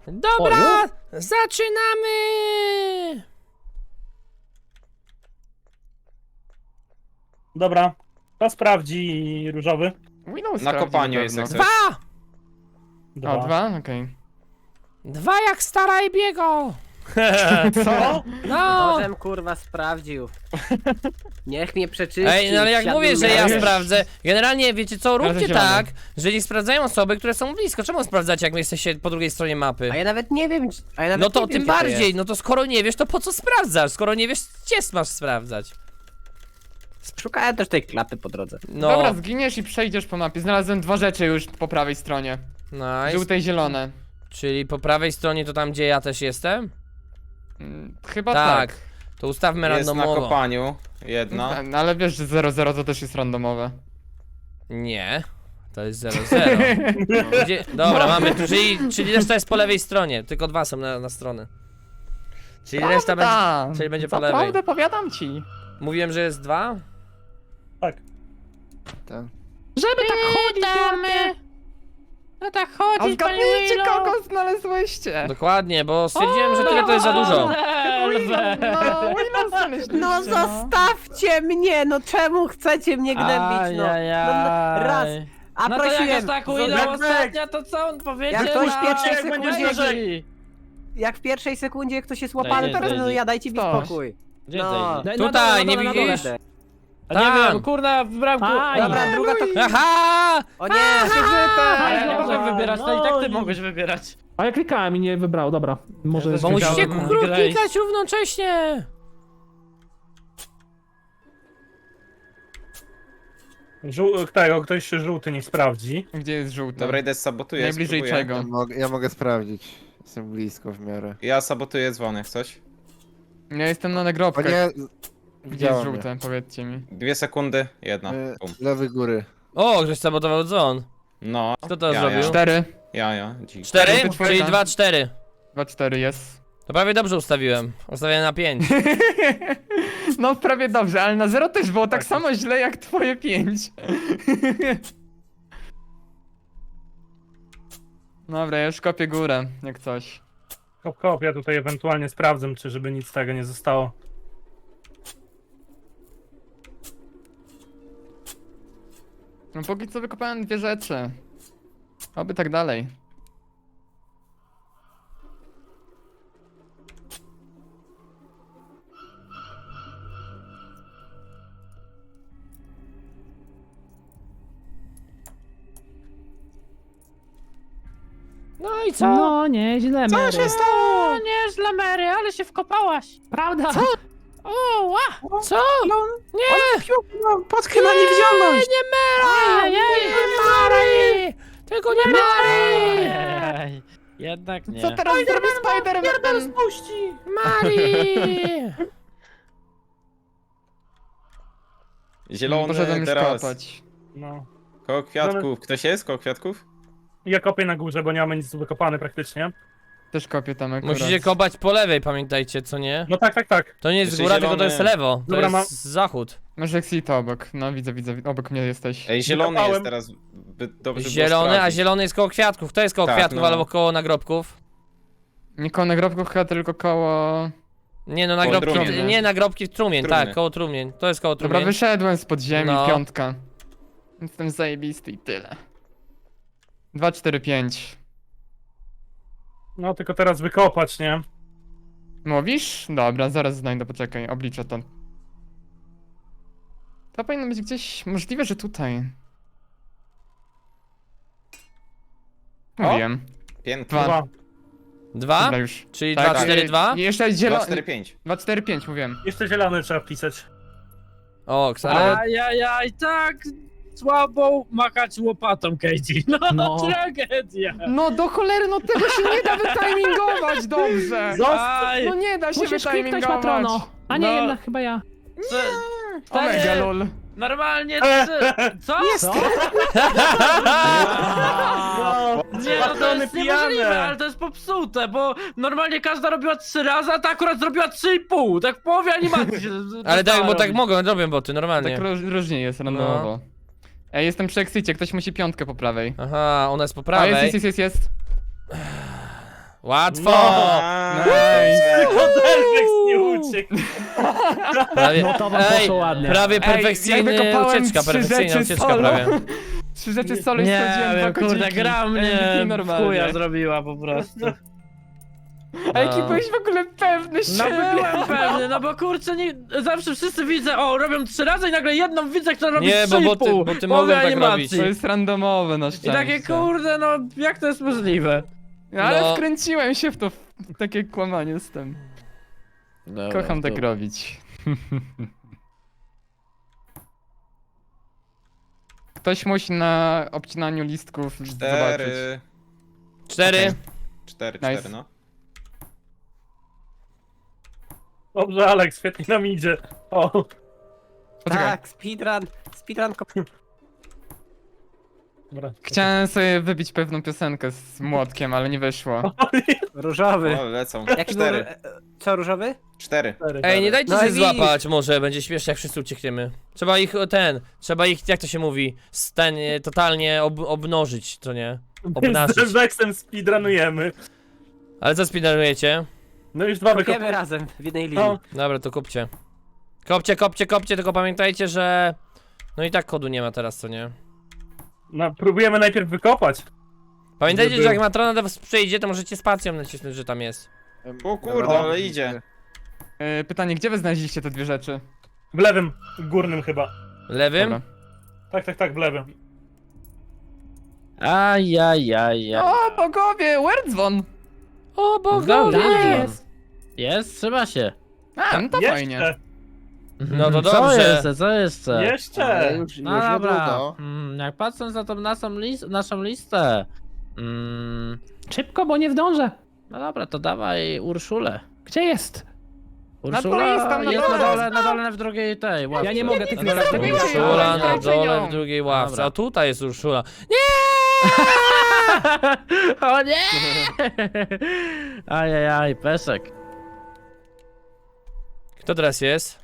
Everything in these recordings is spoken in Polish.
Dobra, zaczynamy! Dobra, to sprawdzi różowy. Windows Na kopaniu jest jak coś. 2! O, 2? Okej. 2 jak stara i biego! Co? No! Nożem kurwa sprawdził. Niech mnie przeczyści. Ej, no ale jak wsiadł mówię, że na- ja sprawdzę, generalnie wiecie co, róbcie zielony. tak, że nie sprawdzają osoby, które są blisko. Czemu sprawdzacie, jak wy jesteście po drugiej stronie mapy? A ja nawet nie wiem, a ja nawet No to nie wiem, tym gdzie to bardziej, jest. no to skoro nie wiesz, to po co sprawdzasz? Skoro nie wiesz, gdzie masz sprawdzać? Szukałem też tej klapy po drodze. No, Dobra, zginiesz i przejdziesz po mapie. Znalazłem 2 rzeczy już po prawej stronie. nice. Żółte i zielone. Czyli po prawej stronie to tam, gdzie ja też jestem? Chyba Tak. tak. To ustawmy Jest na randomowo. kopaniu. Jedna. No, ale wiesz, że 0-0 to też jest randomowe. Nie, to jest 0-0. Gdzie... Dobra, mamy, czyli reszta jest po lewej stronie, tylko 2 są na stronę. Czyli reszta będzie, czyli będzie po lewej. Naprawdę, powiadam ci. Mówiłem, że jest 2? Tak. Żeby tak chodzić, No tak A chodzi, zgadnijcie, kogo znalazłyście. Dokładnie, bo stwierdziłem, że tyle to jest za dużo. Willow znaleźliście, No zostawcie mnie, no czemu chcecie mnie gnębić, no. Raz. A No to jak prosiłem, jest tak Zobacz. Willow ostatnia, to co on powiedział? Jak ktoś w na- pierwszej jak sekundzie, będzie jak w pierwszej sekundzie ktoś jest łapany, Daj, to daj, no daj. ja dajcie mi Stoś. spokój. Gdzie No. ty? Tutaj, nie widzisz? A nie Tam. wiem, kurna, wybrałem Dobra, druga to... Aha! O nie! A ja nie mogłem wybierać, no i tak ty mogłeś wybierać. A ja klikałem i nie wybrał, dobra. Może też Bo Klikałem, musicie no. klikać równocześnie. Tego, ktoś żółty nie sprawdzi. Gdzie jest żółte? Dobra, idę sabotuję. Najbliżej spróbuję. czego? Ja mogę sprawdzić. Jestem blisko w miarę. Ja sabotuję dzwony, jak coś. Ja jestem na O nagrobkach. nie, Gdzie jest widziałem żółte? Powiedzcie mi. 2 sekundy, jedna. mnie. Bum. Lewy góry. O, ktoś sabotował dzwon. No. Kto to ja, zrobił? 4. Ja. Dzik. 4? Cztery, Czyli czwórka. 2, 4. 2-4 jest. To prawie dobrze ustawiłem. Ustawiałem na 5. No prawie dobrze, ale na 0 też było tak samo źle jak twoje 5. Dobra, ja już kopię górę, jak coś. Kop, ja tutaj ewentualnie sprawdzę, czy żeby nic z tego nie zostało. No póki co wykopałem 2 rzeczy. Oby tak dalej. No i co? No, nieźle, Mary. O, nieźle Mary, ale się wkopałaś. Prawda? O, ła. Co? Nie! Potkę na niewidzialność! Nie Mary! Nie Mary! Tylko nie Mary! Ej, jednak nie. Co teraz zrobi Spider-Man? Mary! Zielony Poszedłem już teraz. kopać. No. Koło kwiatków. Ktoś jest koło kwiatków? Ja kopię na górze, bo nie mamy nic wykopane praktycznie. Też kopię tam akurat. Musicie kopać po lewej, pamiętajcie, co nie? No tak. To nie jest Jeszcze góra, tylko to zielony. jest lewo. To Dobra, jest zachód. Masz Exito obok. No widzę, obok mnie jesteś. Ej, zielony Wykopałem. jest teraz. Dobrze było Zielony, a sprawdzić. zielony jest koło kwiatków. Kto jest koło Tak, kwiatków no. albo koło nagrobków? Nie koło nagrobków, chyba tylko koło... Nie no, Koło nagrobki, trumien. nie nagrobki, trumień, Trumny. tak, koło trumień. To jest koło Dobra, trumień. wyszedłem spod ziemi, No. 5. Jestem zajebisty i tyle. 2, 4, 5. No tylko teraz wykopać, nie? Mówisz? Dobra, zaraz znajdę, poczekaj, obliczę to. To powinno być gdzieś... Możliwe, że tutaj. Mówiłem. Pięknie. Dwa. 2? Dobra już. Czyli Tak, 2, 4, 2? I jeszcze 2, zielony... 4, 5. 2, 4, 5 mówiłem. Jeszcze zielony trzeba wpisać. O, ale... Ajajaj, tak słabo machać łopatą, Katie. No, tragedia. No do cholery, no tego się nie da wytimingować dobrze! Aj, No nie da się Musisz kliknąć wytimingować! patrono. A nie, No. jednak chyba ja. Omega lol. normalnie co? Co? Nie, no to Patrony jest pijane. niemożliwe, ale to jest popsute, bo normalnie każda robiła 3 razy, a ta akurat zrobiła 3,5. Tak w połowie animacji się Ale tak, bo tak robić. mogą, robią boty, normalnie. Tak różnie jest randomowo. Ej, jestem przy exicie, ktoś musi 5 po prawej. Aha, ona jest po A prawej. jest. Łatwo! Tylko Delvex nie uciekł. Prawie, No to wam poszło ładnie. prawie ja perfekcyjna wykopałem ucieczka, 3 perfekcyjna rzeczy ucieczka solo. prawie. 3 rzeczy solo i Nie sprawdziłem 2 wiem, kurde, kodziki. gra mnie MVP w normalnie. chuja zrobiła po prostu. A jaki No. byłeś w ogóle pewny No siebie? byłem pewny, no bo kurczę, nie, zawsze wszyscy widzę, o, robią 3 razy i nagle jedną widzę, która robi Nie, 3,5 bo ty po mogą tak animacji. robić. To jest randomowe na I szczęście. takie kurde, no jak to jest możliwe? No, ale No. wkręciłem się w to, w takie kłamanie z tym. Kocham tak robić. Ktoś musi na obcinaniu listków zobaczyć. 4. 4. 4, Nice. 4, no. Dobrze, Alex, świetnie nam idzie. O, Poczekaj. Tak, speedrun dobra. Chciałem sobie wybić pewną piosenkę z młotkiem, ale nie wyszło. różowy. O, lecą. Jaki był... 4. Co, różowy? 4. Ej, nie dajcie No się i widzisz. złapać, może będzie śmiesznie jak wszyscy uciekniemy. Trzeba ich, jak to się mówi, totalnie obnożyć, to nie? Z Obnażyć. Delvexem speedrunujemy. Ale co speedrunujecie? No już 2 wykopy. Kopiemy razem w jednej linii. No, Dobra, to kopcie. Kopcie, tylko pamiętajcie, że... No i tak kodu nie ma teraz, co nie? no, próbujemy najpierw wykopać. Pamiętajcie, Żeby- że jak matrona do was przyjdzie, to możecie spacją nacisnąć, że tam jest. O kurde, ale idzie. Pytanie, gdzie wy znaleźliście te 2 rzeczy? W lewym, górnym chyba. Lewym? Dobra. Tak, w lewym. Ajajajaj. O, bogowie, Werdzwon! O Dobra, bogowie! jest. Jest, trzyma się. A, no to fajnie. Jeszcze, No to Co dobrze. jeszcze, co jeszcze? jeszcze. Ale już No dobra, niedługo. Jak patrząc na tą naszą listę, Szybko, bo nie zdążę. no dobra, to dawaj Urszulę. Gdzie jest? Urszula jest tam na jest dole. na dole w drugiej tej łapce. Ja nie mogę tych Na dole w drugiej zrobicie. łapce. Urszula na Dajcie dole ją. w drugiej ławce. Dobra. A tutaj jest Urszula. O nie! Ajajaj, Peszek. Kto teraz jest?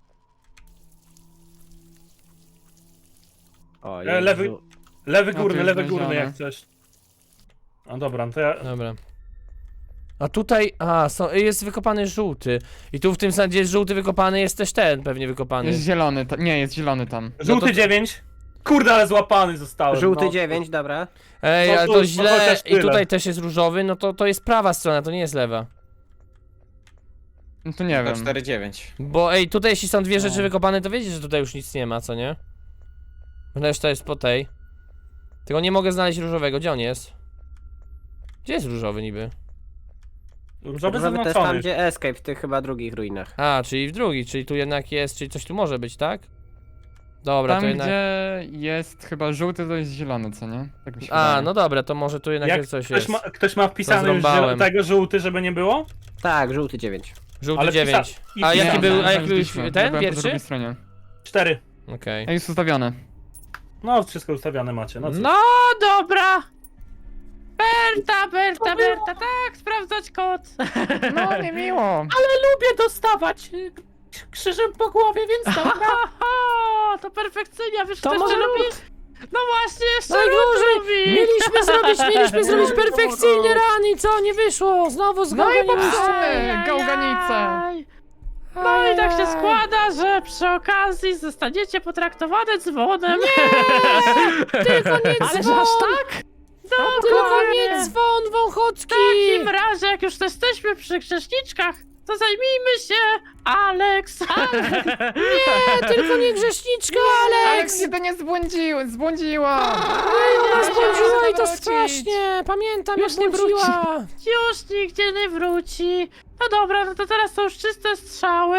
O, Lewy, Jezu. lewy No, górny, to lewy jest górny znalezione. jak chcesz. No dobra, no to ja... Dobra. A tutaj, jest wykopany żółty. I tu w tym sadzie jest żółty wykopany, jest też ten pewnie wykopany. Jest zielony, nie, jest zielony tam. Żółty to- 9. Kurde, ale złapany zostałem. Żółty no. 9, dobra. Ej, No ale tu- to no źle. chociaż I tyle. tutaj też jest różowy, no to jest prawa strona, to nie jest lewa. No to nie To wiem. 4, 9. Bo ej, tutaj jeśli są dwie No. rzeczy wykopane, to wiecie, że tutaj już nic nie ma, co nie? Reszta jest po tej. Tylko nie mogę znaleźć różowego, gdzie on jest? Gdzie jest różowy niby? Różowy Różowy to jest zaznaczony. tam, gdzie Escape, w tych chyba drugich ruinach. A, czyli w drugi, czyli tu jednak jest, czyli coś tu może być, tak? Dobra, Tam, to jednak... gdzie jest chyba żółty, to jest zielony, co nie? Tak mi się A, wydaje. no dobra, to może tu jednak Jak jest coś ktoś jest. ktoś ma wpisany już Zrąbałem. tego żółty, żeby nie było? Tak, żółty 9. Żółty Ale 9. i A jaki pisane. był, a jaki był znaleźliśmy. Ja ten, byłem po pierwszy? drugiej stronie. 4. Okej. A jest ustawione. No, wszystko ustawiane macie. No, cóż. No dobra. Berta, tak, sprawdzać kod. No, nie miło. Lubię dostawać krzyżem po głowie, więc dobra. To perfekcyjnie, wiesz, To co może jeszcze lód. lubi? No właśnie, jeszcze Najgorzej! lód lubi. Mieliśmy zrobić perfekcyjnie rani, co? Nie wyszło! Znowu No i zgałganiście! popsuty, gałganice. No i tak się składa, że przy okazji zostaniecie potraktowane dzwonem. Tylko nie Ale że dzwon! aż tak? Tylko nie dzwon, Wąchocki! W takim razie, jak już jesteśmy przy grzeszniczkach, to zajmijmy się Alex. Nie, tylko nie grzeszniczka, Alex Alex! się to nie zbłądziła. Ona zbłądziła i to wrócić. strasznie! Pamiętam, Już jak nie błądziła! Już nigdzie nie wróci. No dobra, no to teraz są już czyste strzały.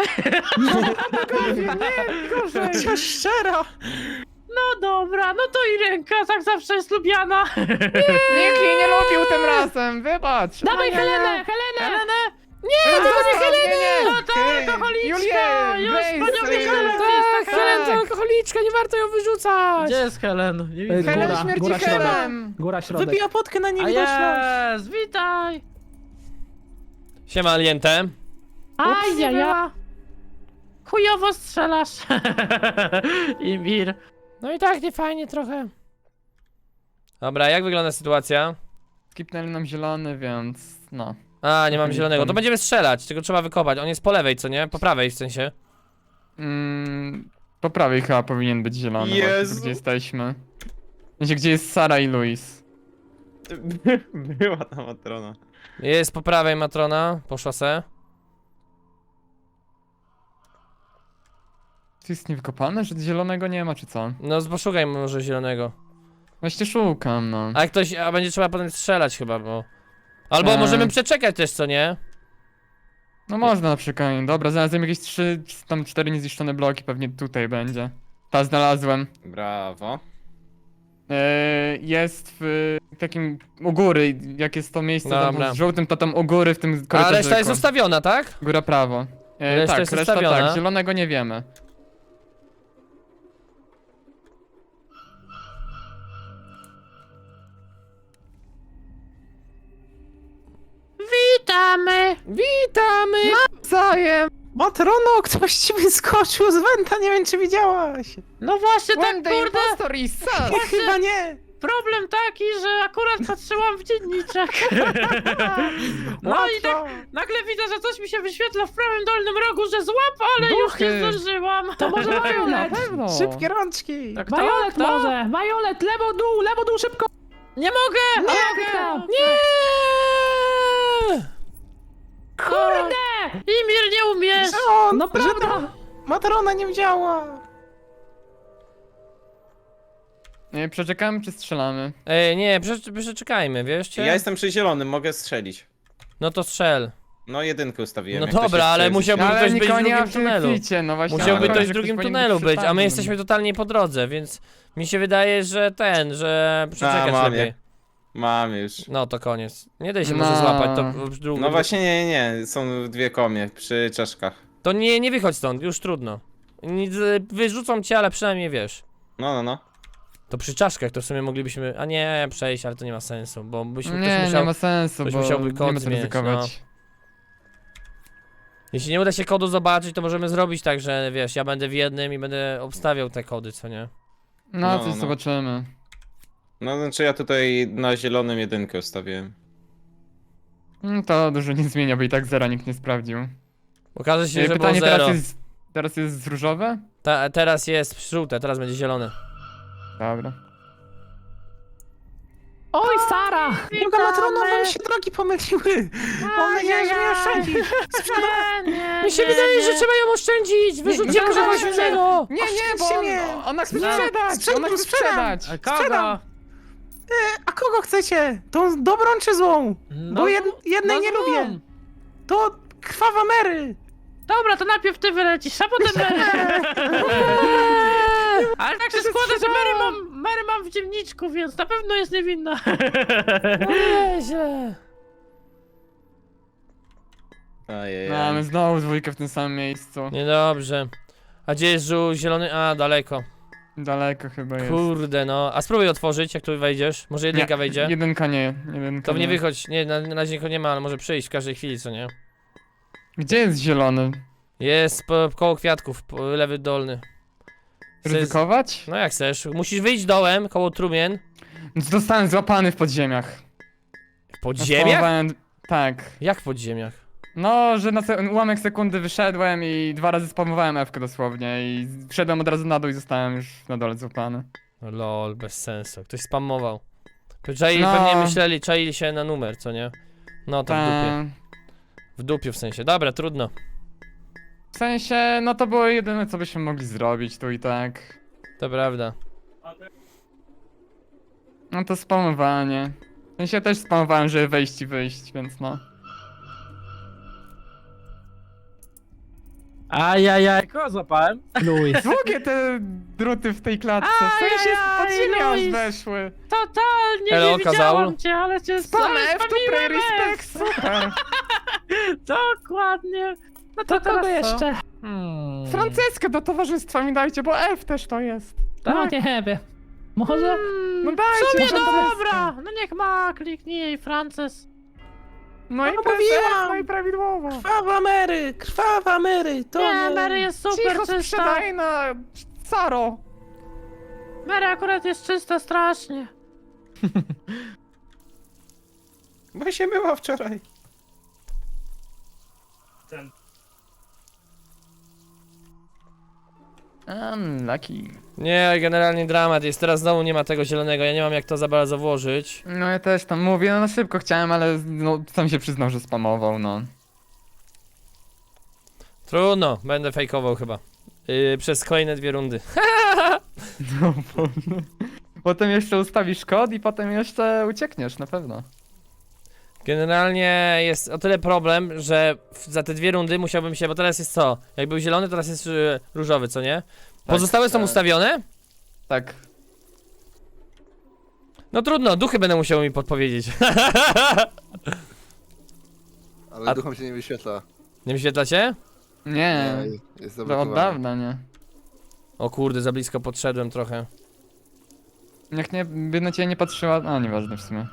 Gorzej. Szczera! No dobra, no to i ręka tak zawsze jest lubiana. Nikt jej nie lubił tym razem, wybacz. Dawaj Helenę, Helenę! tylko nie Helenę! No to alkoholiczka! Już Grace, panią Grace. Helen Tak, Helen to alkoholiczka, nie warto ją wyrzucać! Gdzie jest Helen? Nie widzę. Helen Góra, śmierci góra, środek. Helen! Góra, środek. Wypija potkę na A jest, witaj! Siema, Aliente. Ajajaj! Chujowo strzelasz! Imir. No i tak, nie fajnie trochę. Dobra, jak wygląda sytuacja? Skipnęli nam zielony, więc no. A, nie mam zielonego. To będziemy strzelać, tylko trzeba wykopać. On jest po lewej, co nie? Po prawej w sensie. Po prawej chyba powinien być zielony, właśnie, Jezu. tu, gdzie jesteśmy. Wiecie, gdzie jest Sara i Luis. Była ta matrona. Jest po prawej Matrona, poszła se. Tu jest niewykopane, że zielonego nie ma, czy co? No, poszukaj może zielonego. Właśnie szukam, no. A jak ktoś, a będzie trzeba potem strzelać chyba, bo... Albo możemy przeczekać też, co nie? No można na przykład. Dobra, znalazłem jakieś 3, tam 4 niezniszczone bloki, pewnie tutaj będzie. Ta znalazłem. Brawo. Jest w takim u góry, jak jest to miejsce tam Dobra. z żółtym, to tam u góry w tym A korytarzyku. reszta jest zostawiona, tak? Góra prawo. Reszta Tak, jest reszta zostawiona. tak, zielonego nie wiemy. Witamy! Witamy! Zajem! Matrono, ktoś ci wyskoczył z węta, nie wiem czy widziałaś. No właśnie, tak When the kurde, impostor is sus! Chyba nie. problem taki, że akurat patrzyłam w dzienniczek. No i tak nagle widzę, że coś mi się wyświetla w prawym dolnym rogu, że złap, ale już Duchy. nie zdążyłam. To może Na Violet. pewno! Szybkie rączki. Tak, Violet tak. może! Violet, lewo dół, szybko! Nie mogę! Nie! Kurde! Imir, nie umiesz! No prawda! Matrona nie widziała. Nie, przeczekamy czy strzelamy? Nie, przeczekajmy, wiesz? Ja jestem przy zielonym, mogę strzelić. No to strzel. No jedynkę ustawiłem. No jak ktoś dobra, jest ale przejdzie. musiałby Ale ktoś być w nikogo nie ma drugim w tym tunelu. kwicie, no właśnie. Musiałby ale ktoś w że drugim powinien tunelu być, a my przy jesteśmy totalnie po drodze, więc mi się wydaje, że że przeczekać mam lepiej. je. Mam już. No to koniec. Nie daj się No. może złapać, to drugi. No właśnie nie, są dwie komie przy czaszkach. To nie wychodź stąd, już trudno. Wyrzucą cię, ale przynajmniej wiesz. No. To przy czaszkach to w sumie moglibyśmy, a nie przejść, ale to nie ma sensu, bo byśmy ktoś Nie, musiał, nie ma sensu, ktoś bo musiałby nie kod ma co zmieniać, ryzykować. Jeśli nie uda się kodu zobaczyć, to możemy zrobić tak, że wiesz, ja będę w jednym i będę obstawiał te kody, co nie? No, No, coś no. zobaczymy. No znaczy ja tutaj na zielonym jedynkę ustawiłem. To dużo nie zmienia, bo i tak zera nikt nie sprawdził. Okaże się, że było Pytanie zero. teraz jest różowe? Teraz jest żółte, teraz będzie zielone. Dobra. Oj, Sara! Druga matrono, wam się drogi pomyliły. Mam nadzieję, że mnie oszczędzisz. Mi się wydaje, że trzeba ją oszczędzić! Wyrzucimy kogoś innego! Nie, bo Oszczędźcie mnie. ona chce No. sprzedać! Ona chce Sprzedam. sprzedać! Kogo? A kogo chcecie? Tą dobrą czy złą? No, Bo jednej no nie złą. lubię. To krwawa Mary. Dobra, to najpierw ty wylecisz, a potem Mary. Ale tak się składa, że Mary mam w dzienniczku, więc na pewno jest niewinna. Nieźle. Ojej. Mamy znowu dwójkę w tym samym miejscu. Niedobrze. A gdzie jest zielony? A, daleko. Daleko chyba jest. Kurde no. A spróbuj otworzyć, jak tu wejdziesz. Może jedynka Nie, wejdzie? Jedynka nie, jedynka To nie wychodź. Nie, na razie nikogo nie ma, ale może przyjść w każdej chwili, co nie? Gdzie jest zielony? Jest koło kwiatków, lewy dolny. Ryzykować? No jak chcesz. Musisz wyjść dołem, koło trumien. Zostałem złapany w podziemiach. W podziemiach? Spamowałem- Tak. Jak w podziemiach? No, że na ułamek sekundy wyszedłem i 2 razy spamowałem F-kę dosłownie i wszedłem od razu na dół i zostałem już na dole złapany. No lol, bez sensu. Ktoś spamował. Czai, No. pewnie czaili się na numer, co nie? No to w dupie. W dupiu w sensie. Dobra, trudno. W sensie, no to było jedyne co byśmy mogli zrobić tu i tak. To prawda. No to spamowanie. W sensie ja też spamowałem, żeby wejść i wyjść, więc no. Ajajaj, kogo złapałem? Luis. Długie te druty w tej klatce, w sensie z podziemia aż Luis. weszły. Totalnie Hello, nie widziałam Kazaul. cię, ale cię Spam F to pray spamiłem respect, F. super. Dokładnie. No to To kogo teraz co? jeszcze? Franceskę do towarzystwa mi dajcie, bo F też to jest. No nie wiem. Może? No W dajcie, sumie może to dobra, no niech ma, kliknij jej Frances. No i No to jest mówiłam. F, no i prawidłowo. Krwawa Mary. To Nie, Mary jest super Cicho czysta. sprzedaj na Saro. Mary akurat jest czysta strasznie. Bo się była wczoraj. Unlucky. Nie, generalnie dramat jest. Teraz znowu nie ma tego zielonego. Ja nie mam jak to za bardzo włożyć. No ja też tam mówię, no na szybko chciałem, ale no, sam się przyznał, że spamował, no. Trudno, będę fejkował chyba. Przez kolejne 2 rundy. No, potem jeszcze ustawisz kod i potem jeszcze uciekniesz, na pewno. Generalnie jest o tyle problem, że za te 2 rundy musiałbym się, bo teraz jest co? Jak był zielony, teraz jest różowy, co nie? Pozostałe są tak. ustawione? Tak. No trudno, duchy będą musiały mi podpowiedzieć. Ale duchom się nie wyświetla. Nie wyświetla się? Nie, Jest to od zablokowany. dawna, nie. O kurde, za blisko podszedłem trochę. Jak nie, by na ciebie nie patrzyła, a nieważne w sumie.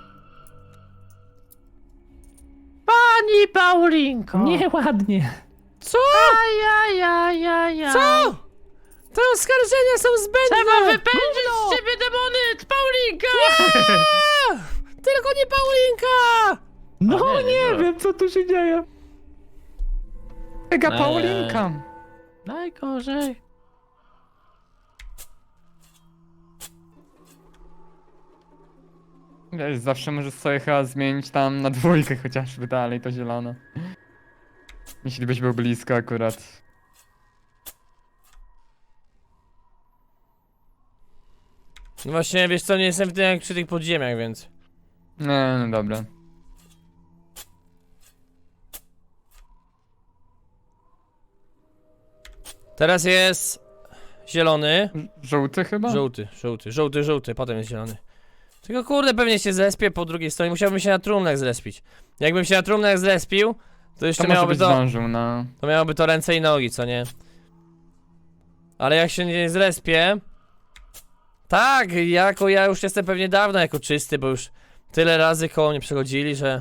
Pani Paulinko! Nieładnie. Co? Ja. Co? Te oskarżenia są zbędne! Trzeba wypędzić z ciebie demony, Paulinka! Tylko nie Paulinka! No nie, wiem, co tu się dzieje. Mega Paulinka! Najgorzej. Wiesz, zawsze możesz sobie chyba zmienić tam na 2 chociażby dalej, to zielone. Jeśli byś był blisko akurat. No właśnie, wiesz co, nie jestem w tym jak przy tych podziemiach, więc... Nie, no dobra. Teraz jest... zielony. Żółty chyba? Żółty, potem jest zielony. Tylko kurde, pewnie się zrespię po drugiej stronie, musiałbym się na trumnach zrespić. Jakbym się na trumnach zrespił, to jeszcze To może miałoby być to... zdążył, no. To miałoby to ręce i nogi, co nie? Ale jak się nie zrespię... Tak, ja już jestem pewnie dawno jako czysty, bo już tyle razy koło mnie przechodzili, że...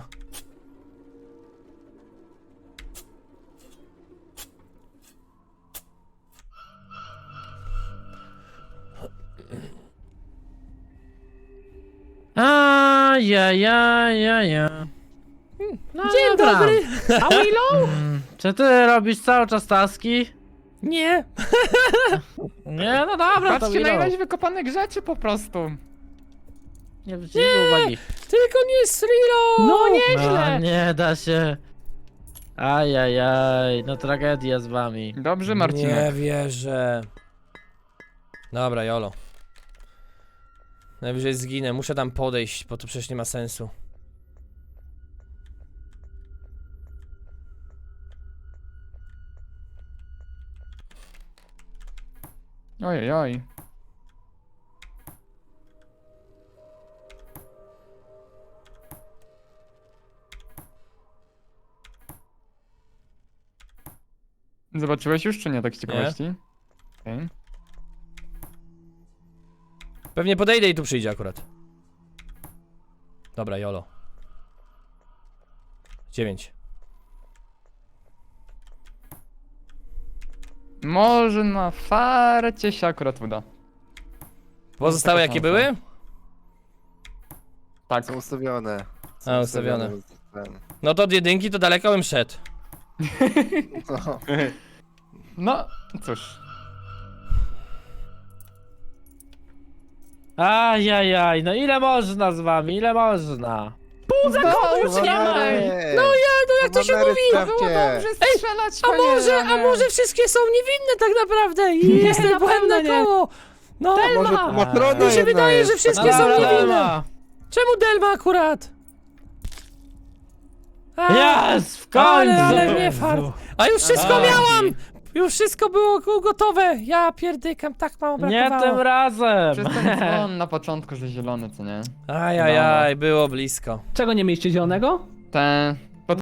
Ja. No Dzień dobra. dobry! A Willow? Czy ty robisz cały czas taski? Nie! Nie, no dobra, to Patrzcie na Willow. ilość wykopanych rzeczy po prostu. Nie wzięli uwagi. Tylko nie Srilo! No No, nieźle. nie da się. Ajajaj, no tragedia z wami. Dobrze, Marcinek. Nie wierzę. Dobra, jolo. Najwyżej zginę, muszę tam podejść, bo to przecież nie ma sensu. Ojej. Zobaczyłeś już, czy nie, tak z ciekawości? Okej. Pewnie podejdę i tu przyjdzie akurat. Dobra, jolo. 9. Może na farcie się akurat uda. Pozostałe taka jakie szansa. były? Tak. Są ustawione. A, ustawione. Ten. No to od jedynki to daleko bym szedł. No. No, cóż. Ajajaj, no ile można z wami, ile można? Już nie ma! No jak to się mówi? strzelać, A może wszystkie są niewinne tak naprawdę i jestem na błędne pewno nie. koło. No, Delma! mi się wydaje, że wszystkie są niewinne. Czemu Delma akurat? Jest, w końcu! Ale nie fart. A już wszystko miałam! Już wszystko było gotowe. Ja pierdykam, tak mało Nie tym brakowało. razem! Przez ten dzwon na początku, że zielony, co nie? Ajajaj, było blisko. Czego nie mieliście zielonego? Te